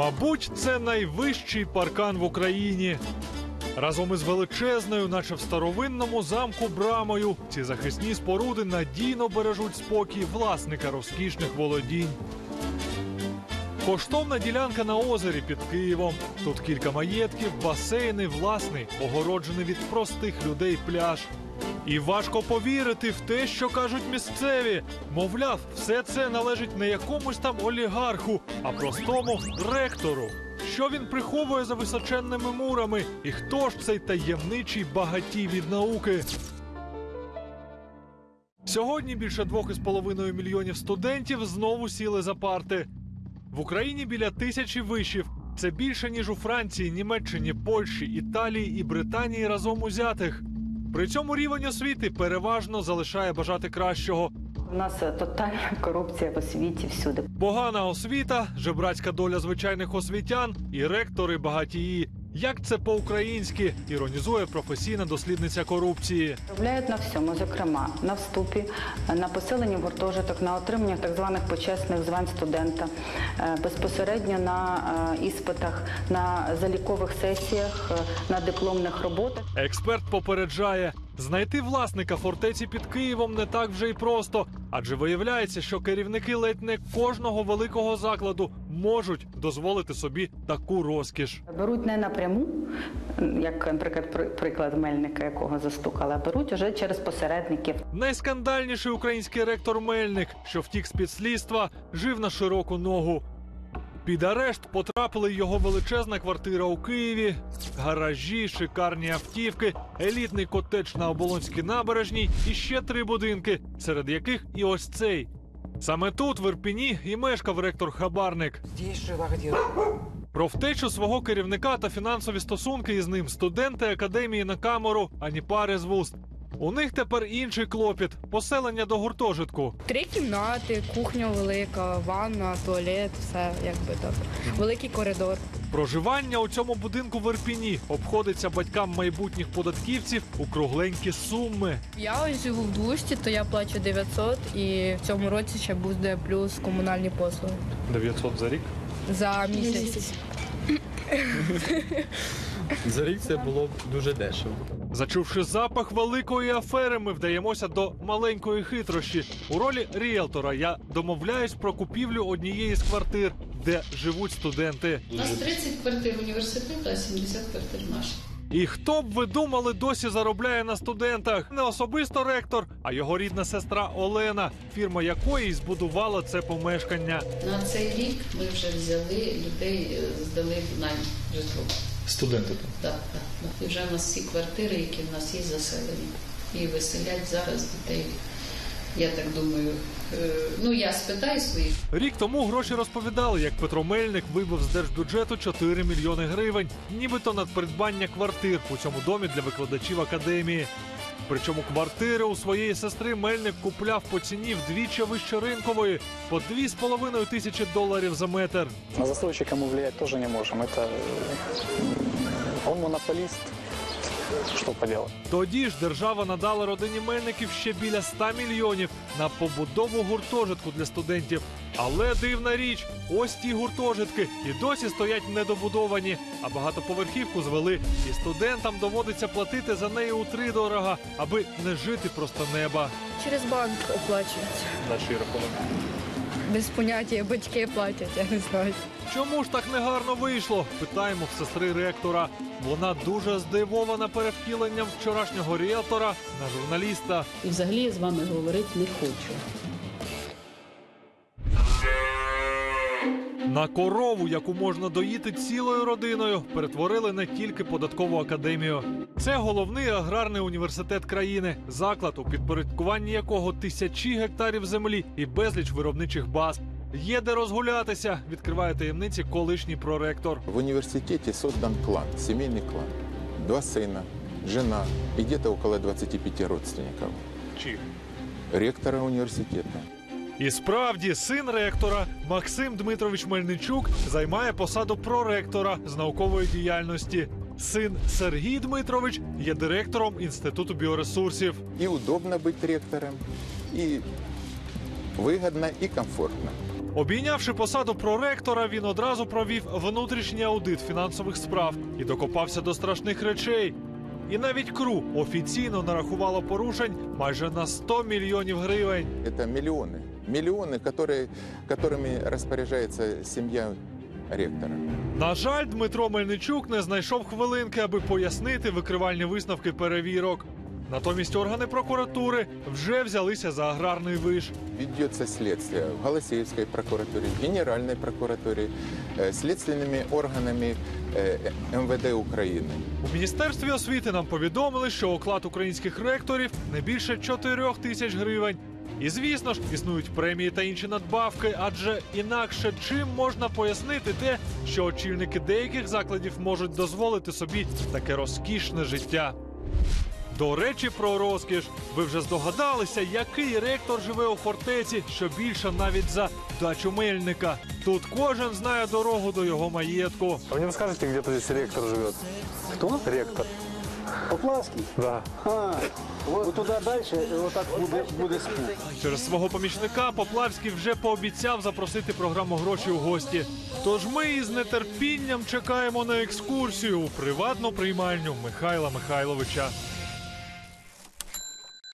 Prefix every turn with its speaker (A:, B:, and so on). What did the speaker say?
A: Мабуть, це найвищий паркан в Україні. Разом із величезною, наче в старовинному замку, брамою, ці захисні споруди надійно бережуть спокій власника розкішних володінь. Коштовна ділянка на озері під Києвом. Тут кілька маєтків, басейни, власний, огороджений від простих людей пляж. І важко повірити в те, що кажуть місцеві. Мовляв, все це належить не якомусь там олігарху, а простому ректору. Що він приховує за височенними мурами? І хто ж цей таємничий багатій від науки? Сьогодні більше 2,5 мільйонів студентів знову сіли за парти. В Україні біля 1000 вишів. Це більше, ніж у Франції, Німеччині, Польщі, Італії і Британії разом узятих. При цьому рівень освіти переважно залишає бажати кращого.
B: У нас тотальна корупція в освіті всюди.
A: Погана освіта, жебрацька доля звичайних освітян і ректори-багатії. Як це по-українськи, іронізує професійна дослідниця корупції.
B: Заробляють на всьому, зокрема, на вступі, на поселенні в гуртожиток, на отриманні так званих почесних звань студента, безпосередньо на іспитах, на залікових сесіях, на дипломних роботах.
A: Експерт попереджає, знайти власника фортеці під Києвом не так вже й просто. Адже виявляється, що керівники ледь не кожного великого закладу можуть дозволити собі таку розкіш.
B: Беруть не напряму, як, наприклад, приклад Мельника, якого застукали, а беруть уже через посередників.
A: Найскандальніший український ректор Мельник, що втік з-під слідства, жив на широку ногу. Під арешт потрапили його величезна квартира у Києві, гаражі, шикарні автівки, елітний котедж на Оболонській набережній і ще 3 будинки, серед яких і ось цей. Саме тут, в Ірпені, і мешкав ректор-хабарник. Про втечу свого керівника та фінансові стосунки із ним студенти академії на камеру ані пари з вуст. У них тепер інший клопіт – поселення до гуртожитку.
C: 3 кімнати, кухня велика, ванна, туалет, все якби так. Великий коридор.
A: Проживання у цьому будинку в Ірпені обходиться батькам майбутніх податківців у кругленькі суми.
C: Я ось живу в 200, то я плачу 900 і в цьому році ще буде плюс комунальні послуги.
A: 900 за рік?
C: За місяць.
D: За рік це було б дуже дешево.
A: Зачувши запах великої афери, ми вдаємося до маленької хитрощі. У ролі ріелтора я домовляюсь про купівлю однієї з квартир, де живуть студенти.
E: У нас 30 квартир університету, а 70 квартир наших.
A: І хто б ви думали, досі заробляє на студентах? Не особисто ректор, а його рідна сестра Олена, фірма якої збудувала це помешкання.
E: На цей рік ми вже взяли людей, здали в найм житло.
D: Студенти там?
E: Так. І вже в нас всі квартири, які в нас є, заселені. І виселять зараз дітей. Я так думаю, я спитаю своїх.
A: Рік тому гроші розповідали, як Петро Мельник вибив з держбюджету 4 мільйони гривень, нібито на придбання квартир у цьому домі для викладачів академії. Причому квартири у своєї сестри Мельник купляв по ціні вдвічі вище ринкової – по $2500 за метр.
F: На застройщика мы влиять тоже не можем. Он монополист. Що поделать?
A: Тоді ж держава надала родині Мельників ще біля 100 мільйонів на побудову гуртожитку для студентів. Але дивна річ, ось ті гуртожитки і досі стоять недобудовані, а багатоповерхівку звели. І студентам доводиться платити за неї утридорога, аби не жити просто неба.
C: Через банк оплачують.
D: На чий рахунок?
C: Без поняття, батьки платять, я не знаю.
A: Чому ж так негарно вийшло? Питаємо в сестри ректора. Вона дуже здивована перевтіленням вчорашнього ріелтора на журналіста.
G: І взагалі я з вами говорити не хочу.
A: На корову, яку можна доїти цілою родиною, перетворили не тільки податкову академію. Це головний аграрний університет країни, заклад, у підпорядкуванні якого тисячі гектарів землі і безліч виробничих баз. Є де розгулятися, відкриває таємниці колишній проректор.
H: В университете создан клан, семейный клан. 2 сына, жена и где-то около 25 родственников.
A: Чьих?
H: Ректора университета.
A: І справді, син ректора Максим Дмитрович Мельничук займає посаду проректора з наукової діяльності. Син Сергій Дмитрович є директором Інституту біоресурсів.
H: И удобно быть ректором, и выгодно, и комфортно.
A: Обійнявши посаду проректора, він одразу провів внутрішній аудит фінансових справ і докопався до страшних речей. І навіть КРУ офіційно нарахувало порушень майже на 100 мільйонів гривень.
H: Это миллионы. Миллионы, которыми распоряжается семья ректора.
A: На жаль, Дмитро Мельничук не знайшов хвилинки, аби пояснити викривальні висновки перевірок. Натомість органи прокуратури вже взялися за аграрний виш.
H: Ведется следствие в Голосеевской прокуратуре, в Генеральной прокуратуре, следственными органами МВД України.
A: У Міністерстві освіти нам повідомили, що оклад українських ректорів не більше 4 тисяч гривень. І, звісно ж, існують премії та інші надбавки, адже інакше чим можна пояснити те, що очільники деяких закладів можуть дозволити собі таке розкішне життя. До речі, про розкіш. Ви вже здогадалися, який ректор живе у фортеці, що більше навіть за дачу Мельника. Тут кожен знає дорогу до його маєтку.
I: А вы не подскажете, где-то здесь ректор живет?
F: Кто?
I: Ректор.
F: Поплавский?
I: Да.
F: Вот туда дальше, вот так будет спуск.
A: Через свого помічника Поплавський вже пообіцяв запросити програму «Гроші у гості». Тож ми із нетерпінням чекаємо на екскурсію у приватну приймальню Михайла Михайловича.